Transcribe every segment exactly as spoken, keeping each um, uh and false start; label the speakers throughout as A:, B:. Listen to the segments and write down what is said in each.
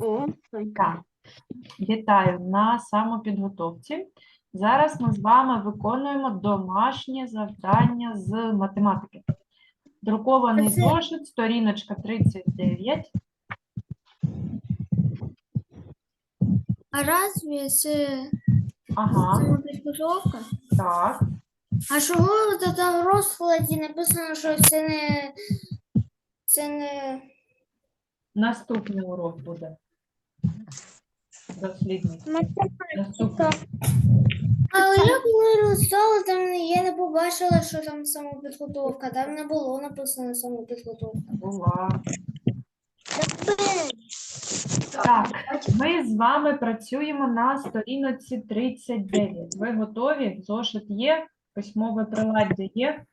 A: О,
B: Так, вітаю на самопідготовці. Зараз ми з вами виконуємо домашнє завдання з математики. Друкований зошит, сторіночка тридцять дев'ять.
C: А разве це
B: Ага,
C: самопідготовка?
B: так.
C: А чого от там в розкладі написано, що це не це не
B: Наступний урок буде. Дослідник. Наступний.
C: А як ми листали, там я не побачила, що там самопідготовка. Там не було написано самопідготовка.
B: Була. Так, ми з вами працюємо на сторіночці тридцять дев'ять. Ви готові? Зошит є? Письмове приладдя є?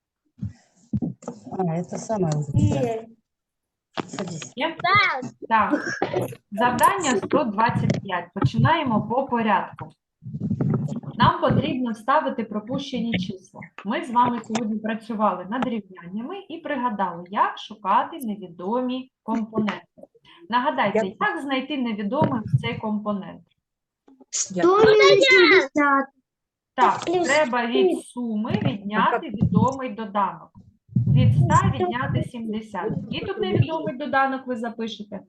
A: А, это самое.
C: Є.
A: Садись.
B: Є? Так. Завдання сто двадцять п'ять. Починаємо по порядку. Нам потрібно вставити пропущені числа. Ми з вами сьогодні працювали над рівняннями і пригадали, як шукати невідомі компоненти. Нагадайте, як знайти невідомий цей компонент? Так, треба від суми відняти відомий доданок. Від ста відняти сімдесят. І тут невідомий доданок ви запишете.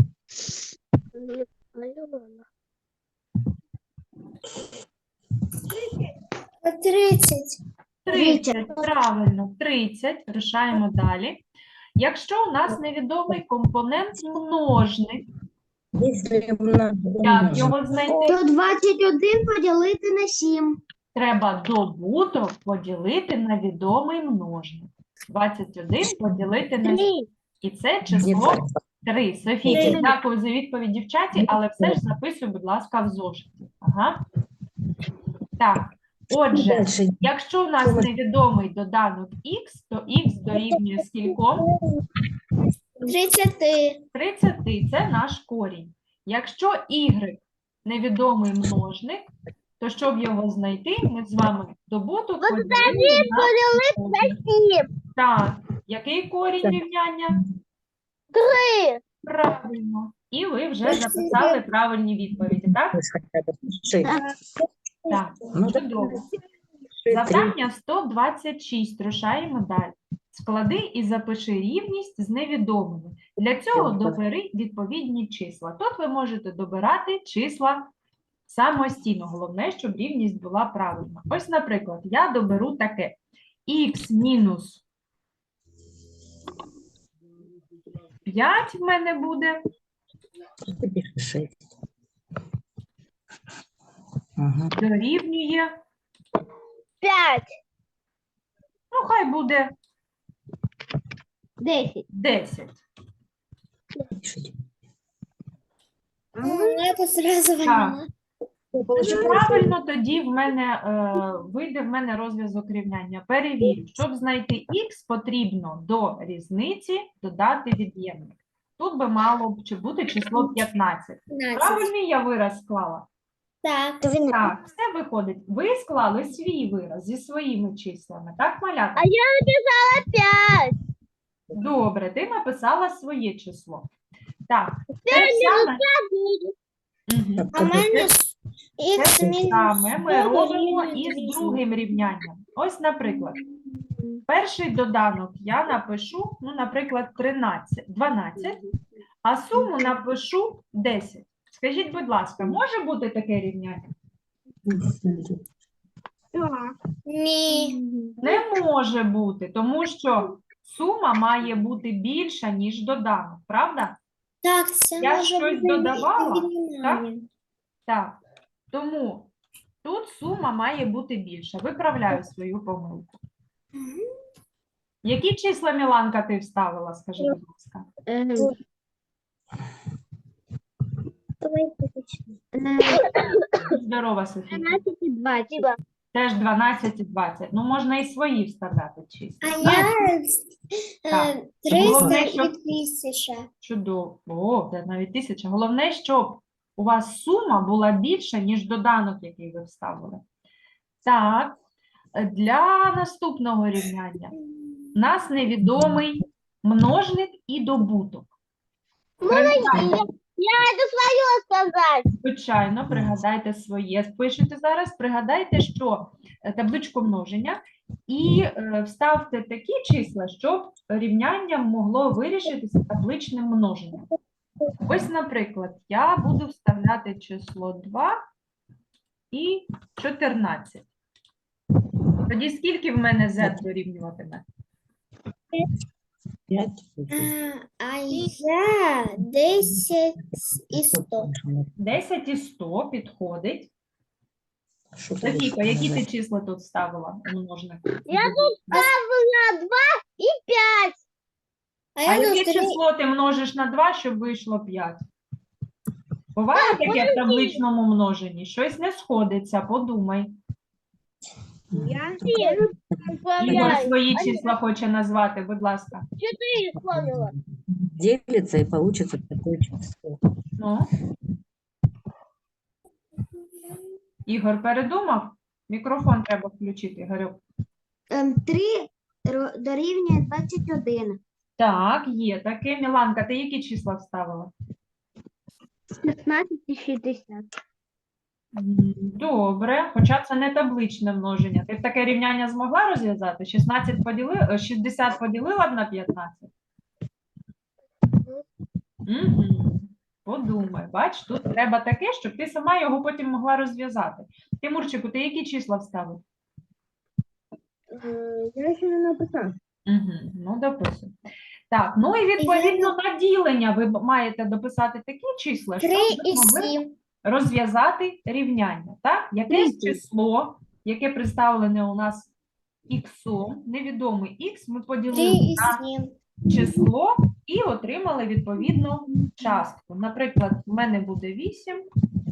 C: тридцять.
B: тридцять, правильно, тридцять. Рушаємо далі. Якщо у нас невідомий компонент множник,
A: Если умножить
B: як його знайти?
C: сто двадцять один поділити на сім.
B: Треба добуток поділити на відомий множник. двадцять один поділити на сім. І це число три. Софійці, дякую за відповідь, дівчаті, але все ж записуй, будь ласка, в зошиті. Ага. Так, отже, якщо у нас невідомий доданок х, то х дорівнює скільком?
C: тридцять.
B: тридцять – це наш корінь. Якщо y невідомий множник, то щоб його знайти, ми з вами добуток поділили на множник. Так, який корінь рівняння?
C: три.
B: Правильно. І ви вже записали правильні відповіді, так? Так, чудово. Завдання сто двадцять шість. Рушаємо далі. Склади і запиши рівність з невідомими. Для цього добери відповідні числа. Тут ви можете добирати числа самостійно. Головне, щоб рівність була правильна. Ось, наприклад, я доберу таке. Х мінус п'ять в мене буде. Дорівнює.
C: п'ять.
B: Ну, хай буде
C: десять.
B: десять.
C: Я посразу
B: Так. Правильно, тоді в мене е, вийде в мене розв'язок рівняння. Перевірю. Щоб знайти х, потрібно до різниці додати від'ємник. Тут би мало б чи бути число п'ятнадцять. Правильний я вираз склала?
C: Так.
B: Так, все виходить. Ви склали свій вираз зі своїми числами, так, малята?
C: А я написала п'ять.
B: Добре, ти написала своє число. Так, те саме. Мгм.
C: А в мене
B: Те
C: х мінус
B: саме ми
C: сто
B: робимо
C: дорівнює
B: із
C: вісім.
B: другим рівнянням. Ось, наприклад, перший доданок я напишу, ну, наприклад, тринадцять, дванадцять, а суму напишу десять. Скажіть, будь ласка, може бути таке рівняння?
C: Ні.
B: Не може бути, тому що сума має бути більша, ніж доданок, правда?
C: Так, це
B: Я
C: може
B: щось
C: бути
B: додавала,
C: віднімання.
B: Так. Тому тут сума має бути більша. Виправляю свою помилку. Які числа, Міланка, ти вставила, скажи, будь ласка? Здорова, Софія.
C: тринадцять і двадцять.
B: Теж дванадцять і двадцять. Ну, можна і свої вставляти числа.
C: А я
B: Так.
C: е, триста
B: Головне,
C: і
B: щоб-
C: тисяча.
B: Чудово. О, це навіть тисяча. Головне, щоб у вас сума була більша, ніж доданок, який ви вставили. Так, для наступного рівняння. У нас невідомий множник і добуток. Пригадайте,
C: сказати.
B: Звичайно, пригадайте своє, спишете зараз, пригадайте, що е, табличку множення, і е, вставте такі числа, щоб рівняння могло вирішитися табличним множенням. Ось, наприклад, я буду вставляти число два і чотирнадцять. Тоді скільки в мене z дорівнюватиме?
A: Пять.
C: А я десять і сто.
B: десять і сто підходить.
A: Что ты
B: Софійка, які ти
A: будешь
B: числа тут вставила у множник?
C: Я тут ставила два і п'ять. А
B: А
C: я
B: яке
C: тут три.
B: число ти множиш на два, щоб вийшло п'ять? Буває таке в табличному множенні? Щось не сходиться, подумай.
C: Я
B: Ігор свої числа хоче назвати, будь ласка.
A: делится и получится такое число.
B: Ну? Ігор передумав? Мікрофон треба включити, Ігорю.
C: Три дорівнює двадцять один.
B: Так, є таке. Міланка, ти які числа вставила?
C: шістнадцять і шістдесят.
B: М, Добре, хоча це не табличне множення. Ти б таке рівняння змогла розв'язати? шістнадцять поділи... е, шістдесят поділила б на п'ятнадцять? Угу. Подумай, бач, тут треба таке, щоб ти сама його потім могла розв'язати. Тимурчику, ти які числа вставив?
C: Я ще не написав.
B: Угу. Ну, дописуй. Так, ну і відповідно на ділення ви б- маєте дописати такі числа, щоб
C: Три
B: ви
C: і
B: могли
C: сім.
B: розв'язати рівняння. Так? Якесь число, яке представлене у нас іксом, невідомий х, ми
C: Три
B: поділили
C: і
B: на
C: сім.
B: число і отримали відповідну частку. Наприклад, в мене буде вісім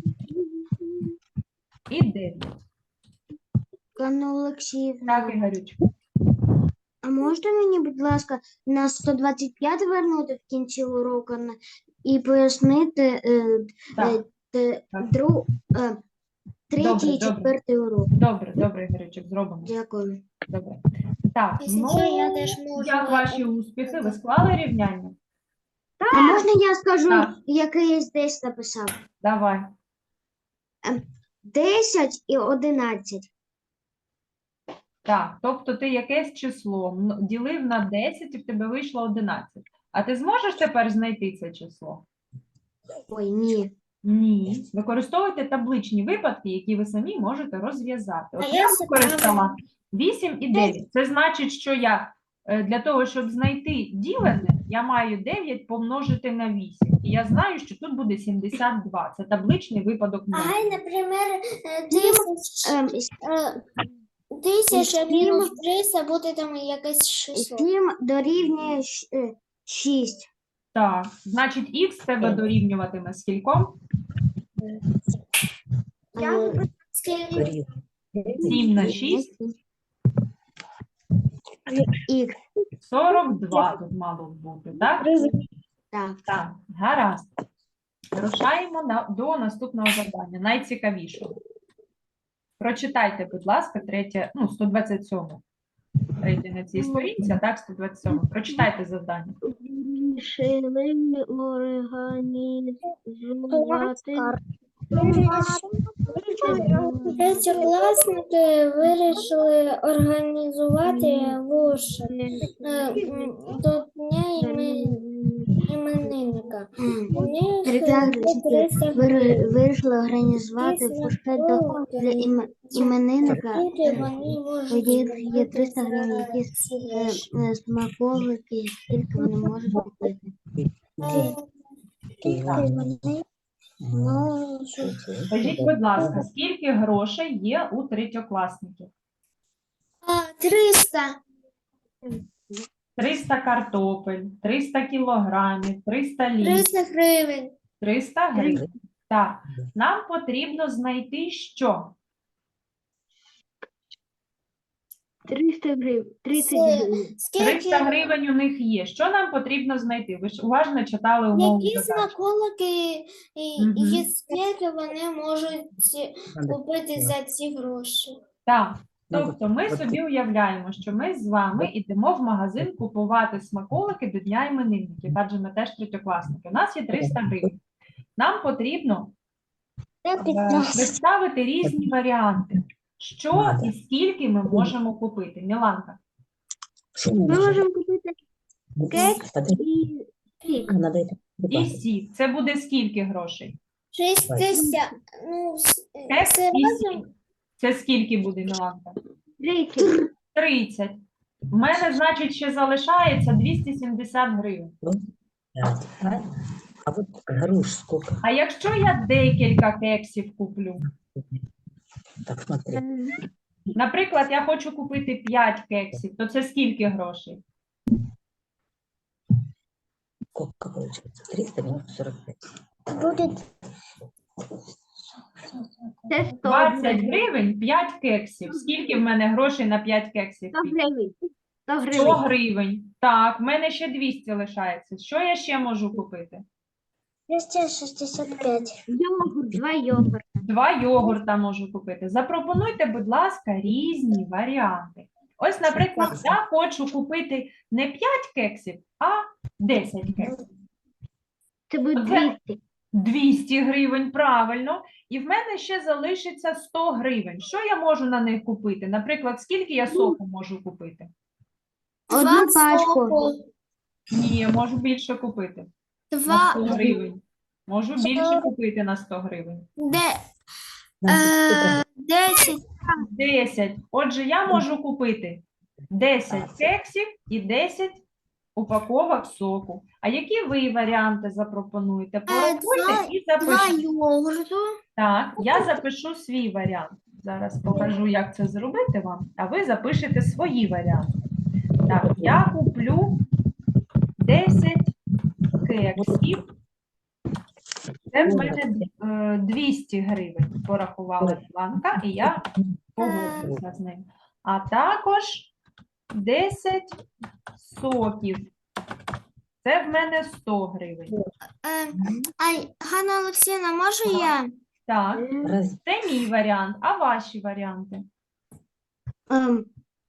B: і дев'ять.
C: Канна Олексіївна,
B: Так, Ігорюч.
C: а можете мені, будь ласка, на сто двадцять п'ять вернути в кінці уроку на- і пояснити е,
B: Так,
C: е,
B: так.
C: дру, е, третій
B: Добре,
C: і
B: добре.
C: четвертий урок.
B: добре, добре, Ігорючик, зробимо.
C: Дякую.
B: Добре. Так,
C: Якщо
B: ну,
C: що, я теж можу,
B: як
C: е,
B: ваші успіхи? Ви склали рівняння?
C: А можна я скажу,
B: Так.
C: яке я десь написав?
B: Давай.
C: десять і одинадцять.
B: Так, тобто ти якесь число м- ділив на десять і в тебе вийшло одинадцять. А ти зможеш тепер знайти це число?
C: Ой, ні.
B: Ні. Використовуйте табличні випадки, які ви самі можете розв'язати. От
C: А
B: я
C: я
B: використала вісім і дев'ять. Це значить, що я е, для того, щоб знайти ділене, я маю дев'ять помножити на вісім. І я знаю, що тут буде сімдесят два. Це табличний випадок множення.
C: Ай, наприклад, тисяча, тисяча
D: Сім.
C: мінус триста буде там якесь число.
D: сім дорівнює шість.
B: Так, значить, х тебе дорівнюватиме скільком?
C: Скільки?
B: сім на шість,
D: Х.
B: сорок два тут мало бути, так?
D: Так.
B: Так, гаразд. Рушаємо на, до наступного завдання, найцікавішого. Прочитайте, будь ласка, третє, ну, сто двадцять сьоме. Третє на цій сторінці, а так, сто двадцять сьоме. Прочитайте завдання.
D: Вирішили організувати
C: Третьокласники вирішили організувати вуш до дня імен- іменинника. У них
D: Третьокласники
C: триста
D: вир- вирішили організувати
C: Дійсно,
D: фуршет до- для іме- іменинника.
C: Скільки вони можуть
D: Тоді є
C: зробити
D: триста гривень,
C: за
D: які
C: ці
D: е,
C: гроші?
D: е, смаколики, скільки вони можуть купити.
B: Скажіть, будь ласка, скільки грошей є у третьокласників?
C: А, триста.
B: триста картопель, триста кілограмів, триста літрів,
C: триста гривень.
B: триста гривень. Так, нам потрібно знайти що?
D: триста гривень, тридцять
C: Це-
D: гривень.
C: Скільки,
B: триста гривень у них є. Що нам потрібно знайти? Ви ж уважно читали умову
C: які
B: задачі.
C: смаколики і,
B: Мгм.
C: і скільки вони можуть купити за ці гроші?
B: Так,
A: Ну,
B: тобто ми
A: от
B: собі уявляємо, що ми з вами йдемо в магазин купувати смаколики до Дня іменинників, адже ми теж третьокласники. У нас є триста гривень. нам потрібно е, представити різні варіанти. Що
A: Надо.
B: і скільки ми можемо купити? Міланка.
A: Что
D: Ми
A: можно?
D: можемо купити кекс
A: Подожди,
D: і сік.
A: надо это
B: І
A: прибавить.
B: сік. Це буде скільки грошей?
C: шістдесят. Ну, с-
B: Кекс
C: це
B: і
C: разом.
B: сік. Це скільки буде, Міланка?
D: тридцять.
B: тридцять. В мене, значить, ще залишається двісті сімдесят гривень.
A: Пять, правильно? А вот груш сколько?
B: А якщо я декілька кексів куплю?
A: Так, смотри.
B: Наприклад, я хочу купити п'ять кексів, то це скільки грошей?
A: Сколько получается? триста минус сорок пять.
C: Буде
D: Це сто
B: двадцять
D: гривень.
B: гривень, п'ять кексів. Скільки в мене грошей на п'ять кексів?
D: сто гривень. сто
B: сто
D: гривень.
B: гривень. Так, в мене ще двісті лишається. Що я ще можу купити?
C: двісті шістдесят п'ять.
D: Йогурт, два йогурта.
B: Два йогурта можу купити. Запропонуйте, будь ласка, різні варіанти. Ось, наприклад, я хочу купити не п'ять кексів, а десять кексів.
D: Це буде
B: Оце-
D: двісті.
B: двісті гривень, правильно. І в мене ще залишиться сто гривень. Що я можу на них купити? Наприклад, скільки я соку можу купити?
D: Одну пачку.
B: Ні, я можу більше купити. На
C: Два.
B: сто гривень. Можу більше купити на сто гривень.
C: Де,
A: Нам
C: е, десять.
B: десять. Отже, я можу купити десять кексів і десять упаковок соку. А які ви варіанти запропонуєте? Порахуйте і
C: Два
B: запишіть.
C: йогурту.
B: Так, я запишу свій варіант. Зараз покажу, як це зробити вам, а ви запишете свої варіанти. Так, я куплю десять кексів. Це в мене е, двісті гривень порахувала Іванка, і я погодилася з ним. А також десять соків. Це в мене сто гривень.
C: Е, а Ганна Олексіївна, можу я?
B: Так,
A: раз-
B: це мій варіант. А ваші варіанти?
D: Ем,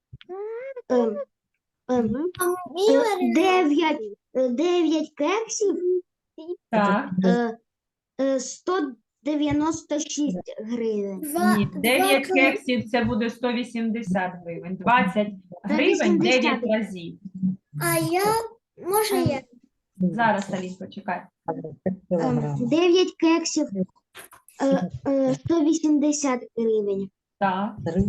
D: ем, ем,
C: Мій
D: е,
C: варіант.
D: Дев'ять е, дев'ять кексів,
B: Так.
D: е, е, сто дев'яносто шість гривень.
C: Два,
B: Ні,
C: два
B: дев'ять
C: кил-
B: кексів це буде сто вісімдесят гривень. двадцять гривень
D: вісімдесят.
B: дев'ять разів.
C: А я, може я?
B: Зараз, Алінко, чекай.
D: Ем,
A: килограмм.
D: дев'ять кексів, е, е, сто вісімдесят гривень.
B: Так.
A: Три.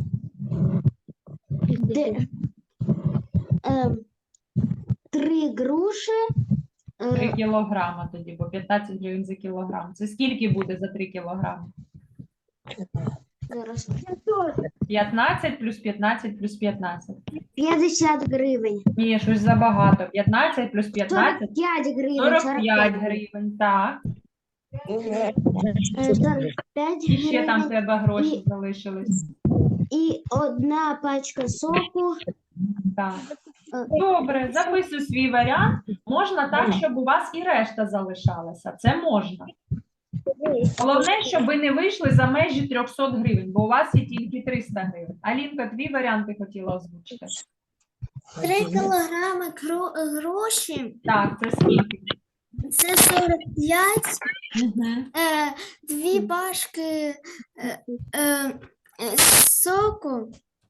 D: Де, ем, три груші,
B: три
D: е,
B: кілограма тоді, бо п'ятнадцять гривень за кілограм. Це скільки буде за три кілограми?
D: зараз,
B: п'ятнадцять плюс п'ятнадцять плюс п'ятнадцять.
D: п'ятдесят гривень.
B: Ні, щось забагато. п'ятнадцять плюс
D: сорок
B: п'ятнадцять.
D: п'ять гривень.
B: сорок п'ять гривень, так.
D: Е, сорок п'ять
B: І ще там в
D: гривень.
B: тебе гроші
D: І-
B: залишились.
D: І одна пачка соку.
B: Так.
D: Е,
B: Добре, записуй свій варіант. Можна так, щоб у вас і решта залишалася. Це можна. Головне, щоб ви не вийшли за межі триста гривень, бо у вас є тільки триста гривень. Алінка, твій варіант ти хотіла озвучити.
C: Три кілограми кро- гроші.
B: Так, це скільки?
C: Це сорок п'ять.
B: Угу.
C: Е, дві башки е, е, е, соку.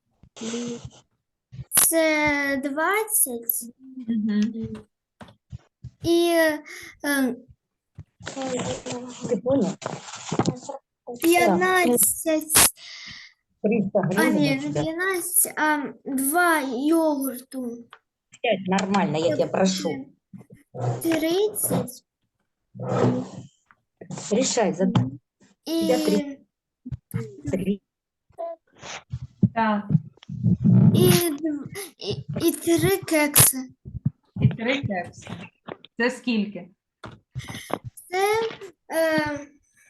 C: Це двадцять.
B: Угу.
C: І е,
A: Ты понял?
C: п'ятнадцять.
A: триста
C: А
A: гривен.
C: ні,
A: у
C: не
A: тебя.
C: п'ятнадцять, а два йогурту.
A: Пять, нормально, я тебя прошу.
C: тридцять.
A: Решай задачу.
C: І
A: Я три. Три.
B: Так,
C: І, дв- і, і три кекси.
B: і три кекси. Це скільки?
C: Це е,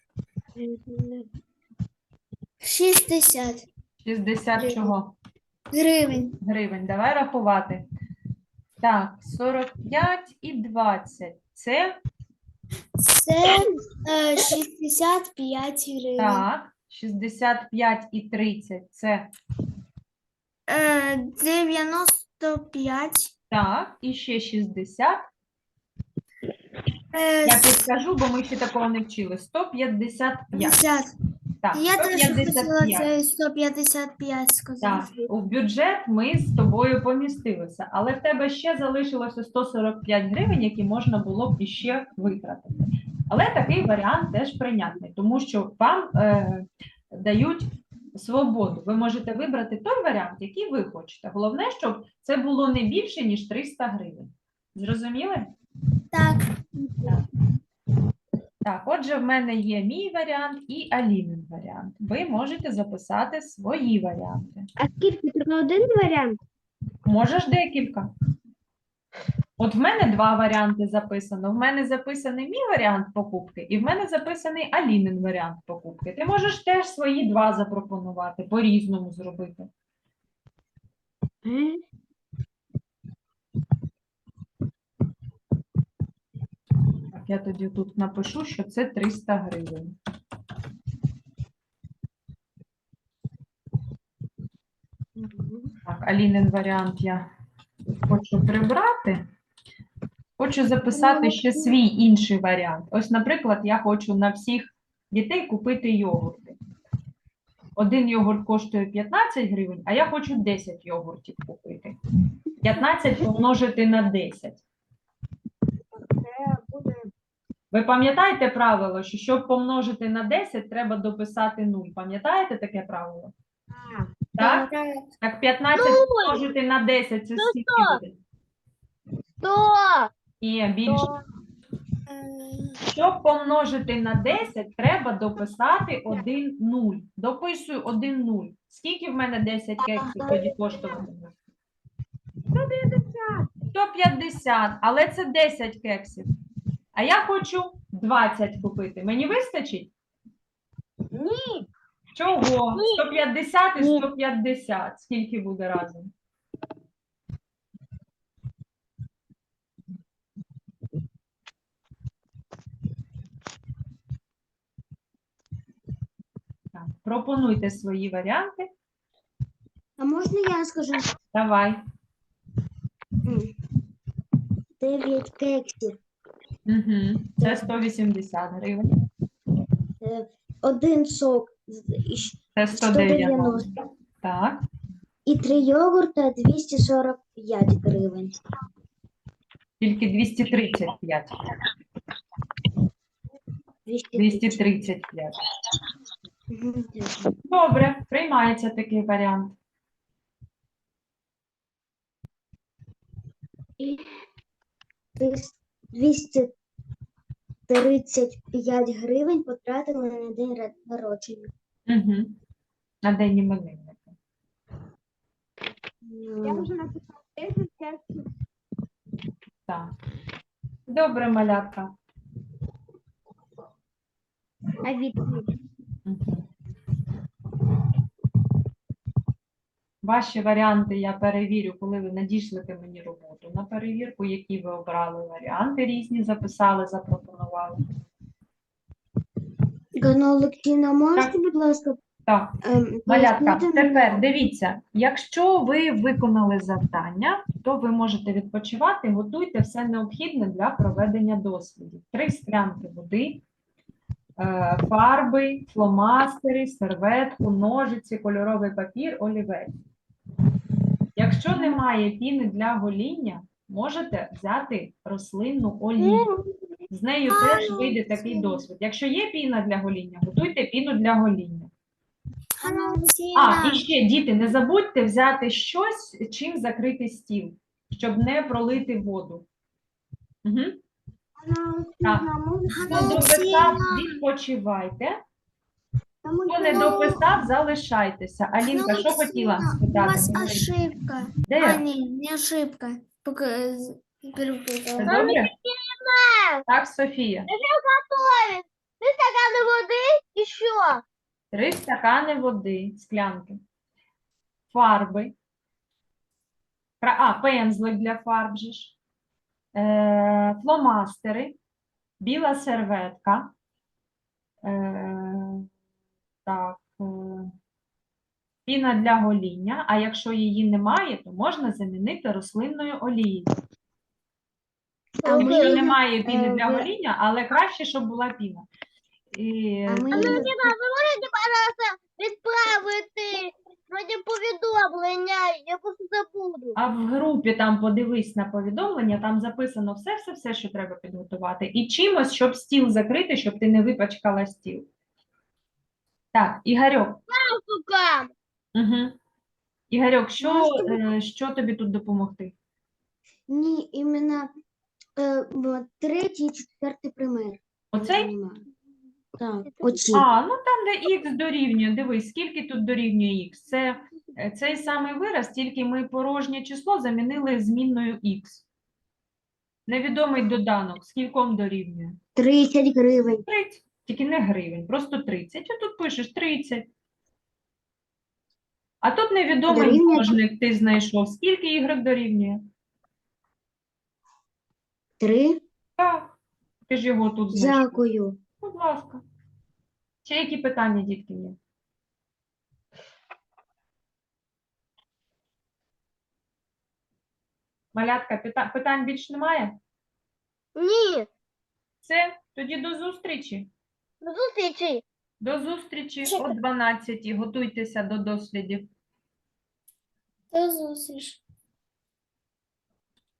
C: шістдесят
B: шістдесят чого?
C: гривень.
B: Гривень. Давай рахувати. Так, сорок п'ять і двадцять. Це,
C: Це е, шістдесят п'ять гривень.
B: так, шістдесят п'ять і тридцять. Це,
C: Е, дев'яносто п'ять.
B: так, і ще шістдесят.
C: Е,
B: Я підскажу, бо ми ще такого не вчили. сто п'ятдесят п'ять.
C: п'ятдесят.
B: Так,
C: Я теж хотіла
B: сто п'ятдесят п'ять.
C: це сто п'ятдесят п'ять
B: Так,
C: сказати.
B: у бюджет ми з тобою помістилися, але в тебе ще залишилося сто сорок п'ять гривень, які можна було б іще витратити. Але такий варіант теж прийнятний, тому що вам е, дають свободу. Ви можете вибрати той варіант, який ви хочете. Головне, щоб це було не більше, ніж триста гривень. Зрозуміли?
C: Так.
B: Так, отже, в мене є мій варіант і Алінин варіант. Ви можете записати свої варіанти.
D: А скільки? Тільки один варіант?
B: Можеш декілька. От в мене два варіанти записано. В мене записаний мій варіант покупки, і в мене записаний Алінин варіант покупки. Ти можеш теж свої два запропонувати, по-різному зробити.
D: Е?
B: Так, я тоді тут напишу, що це триста гривень. Так, Алінин варіант я хочу прибрати. Хочу записати ще свій інший варіант. Ось, наприклад, я хочу на всіх дітей купити йогурти. Один йогурт коштує п'ятнадцять гривень, а я хочу десять йогуртів купити. п'ятнадцять помножити на десять. Ви пам'ятаєте правило, що щоб помножити на десять, треба дописати нуль. Пам'ятаєте таке правило? Так? Так п'ятнадцять помножити на десять – це скільки буде?
D: Сто!
B: Ні, більше. Щоб помножити на десять, треба дописати один нуль. Дописую один нуль. Скільки в мене десять кексів тоді коштуватиме? сто п'ятдесят, але це десять кексів. А я хочу двадцять купити. Мені вистачить?
D: Ні.
B: Чого?
D: Ні.
B: сто п'ятдесят і
D: Ні.
B: сто п'ятдесят. Скільки буде разом? Так, пропонуйте свої варіанти.
D: А можна я скажу?
B: Давай.
D: М. Дев'ять кексів.
B: Угу. Це сто вісімдесят гривень.
D: Е, Один сок з- і щ-
B: Це сто
D: сто
B: дев'яносто.
D: дев'яносто.
B: Так.
D: І три йогурта двісті сорок п'ять гривень.
B: Тільки двісті тридцять п'ять.
D: двісті
B: двісті тридцять п'ять.
D: Мгм.
B: Добре, приймається такий варіант.
D: І тис- двісті тридцять п'ять гривень потратили на день ра- народження.
B: Угу. На день іменинника.
D: Я вже написала десять кексів.
B: Так. Добре, малятка.
D: А відповідь?
B: Угу. Ваші варіанти я перевірю, коли ви надішлете мені роботу на перевірку, які ви обрали варіанти різні, записали, запропонували.
D: Ганна Олексійовна, можете,
B: Так.
D: будь ласка,
B: Так.
D: ем,
B: Малятка,
D: пояснити мені?
B: тепер дивіться, якщо ви виконали завдання, то ви можете відпочивати, готуйте все необхідне для проведення дослідів. Три склянки води, е, фарби, фломастери, серветку, ножиці, кольоровий папір, олівець. Якщо немає піни для гоління, можете взяти рослинну олію. З нею теж вийде такий досвід. Якщо є піна для гоління, готуйте піну для гоління.
C: Ганна
B: А,
C: Олексіївна,
B: і ще, діти, не забудьте взяти щось, чим закрити стіл, щоб не пролити воду. Угу.
D: Ганна
B: Так.
D: Олексійовна, можна?
B: Хто
C: Ганна
B: дописав,
C: Олексіївна.
B: відпочивайте.
D: Тому
B: Хто
D: що
B: не дописав, залишайтеся. Алінка, що хотіла
C: У
B: спитати?
C: вас
B: Говори.
C: ошибка. А,
B: Де?
C: ні, не ошибка. Пока з-
B: Все
C: перепутала.
B: добре? Так, Софія.
D: Три стакани води і що?
B: Три стакани води, склянки. Фарби. Кра- А, пензлик для фарб же ж. Е, фломастери. Біла серветка. Е, так. Е, піна для гоління. А якщо її немає, то можна замінити рослинною олією.
D: А
B: Тому
D: ми,
B: що немає піни
D: е,
B: для
D: ви-
B: гоління, але краще, щоб була піна. І...
D: А ми
C: Можете, пожалуйста, відправити вроді повідомлення, я просто забуду.
B: А в групі там подивись на повідомлення, там записано все-все-все, що треба підготувати. І чимось, щоб стіл закрити, щоб ти не випачкала стіл. Так, Ігорьок.
C: Сука!
B: Угу. Ігорьок, що,
D: Можете
B: е, що тобі тут допомогти?
D: ні, іменно е, в третій і четвертий пример.
B: Оцей?
D: Так, оці.
B: А, ну там, де х дорівнює, дивись, скільки тут дорівнює х? Це е, цей самий вираз, тільки ми порожнє число замінили змінною х. Невідомий доданок, скільком дорівнює?
D: тридцять гривень.
B: тридцять, тільки не гривень, просто тридцять. А тут пишеш тридцять. А тут невідомий
D: Дорівнює-
B: множник ти знайшов. Скільки y дорівнює?
D: Три.
B: Так, ти ж його тут знайшов.
D: Дякую.
B: Будь ласка. Ще які питання, дітки, є? Малятка, пита- питань більш немає?
C: Ні,
B: Все, тоді до зустрічі.
C: до зустрічі.
B: До зустрічі
C: Чекай.
B: о дванадцятій. Готуйтеся до дослідів.
C: До зустрічі.